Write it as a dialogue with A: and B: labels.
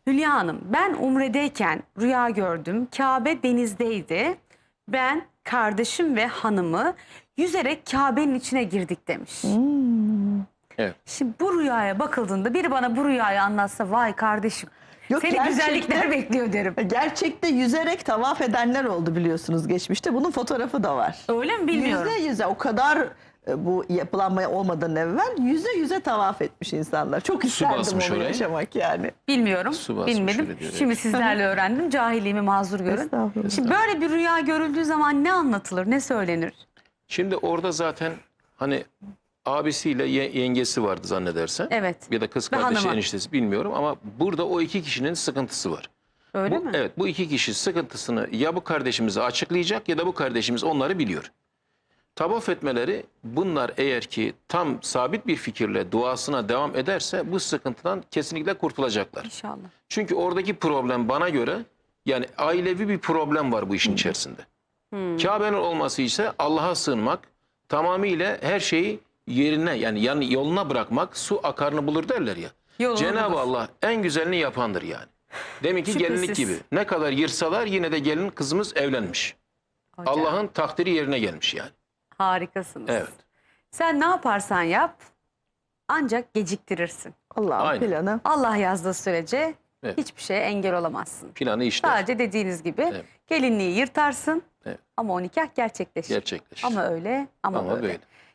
A: Hülya Hanım, ben Umre'deyken rüya gördüm. Kabe denizdeydi. Ben, kardeşim ve hanımı yüzerek Kabe'nin içine girdik demiş.
B: Evet.
A: Şimdi bu rüyaya bakıldığında biri bana bu rüyayı anlatsa, vay kardeşim
C: Yok,
A: seni güzellikler bekliyor derim.
C: Gerçekte yüzerek tavaf edenler oldu biliyorsunuz geçmişte. Bunun fotoğrafı da var.
A: Öyle mi bilmiyorum.
C: Yüze o kadar bu yapılanmaya olmadan evvel yüze tavaf etmiş insanlar. Çok isterdim
B: basmış
C: onu
B: oraya.
C: yaşamak yani.
A: Bilmiyorum,
B: Su basmış
A: bilmedim.
B: öyle diyor,
A: Şimdi sizlerle öğrendim. Cahilliğimi mazur görün.
C: Estağfurullah.
A: Şimdi böyle bir rüya görüldüğü zaman ne anlatılır, ne söylenir?
B: Şimdi orada zaten hani abisiyle yengesi vardı zannedersen.
A: Evet.
B: Ya da kız
A: Ve
B: kardeşi,
A: hanımı.
B: eniştesi bilmiyorum ama burada o iki kişinin sıkıntısı var.
A: Öyle mi?
B: Evet, bu iki kişi sıkıntısını ya bu kardeşimize açıklayacak ya da bu kardeşimiz onları biliyor. Tavaf etmeleri, bunlar eğer ki tam sabit bir fikirle duasına devam ederse bu sıkıntıdan kesinlikle kurtulacaklar.
A: İnşallah.
B: Çünkü oradaki problem bana göre yani ailevi bir problem var bu işin içerisinde. Kabe'nin olması ise Allah'a sığınmak, tamamıyla her şeyi yerine yani yoluna bırakmak, su akarını bulur derler ya.
A: Yolunu
B: Cenab-ı
A: bulur.
B: Allah en güzelini yapandır yani. Demek ki
A: Şüphesiz.
B: gelinlik gibi. Ne kadar yırsalar yine de gelin kızımız evlenmiş.
A: Hocam,
B: Allah'ın takdiri yerine gelmiş yani.
A: harikasınız.
B: Evet.
A: Sen ne yaparsan yap ancak geciktirirsin.
C: Allah'ın
B: Aynen.
C: planı.
A: Allah yazdığı sürece
B: Evet.
A: hiçbir şeye engel olamazsın.
B: Planı işler.
A: Sadece dediğiniz gibi
B: Evet.
A: gelinliği yırtarsın
B: Evet.
A: ama o nikah gerçekleşir.
B: Gerçekleşir.
A: Ama öyle ama
B: Ama
A: böyle.
B: böyle.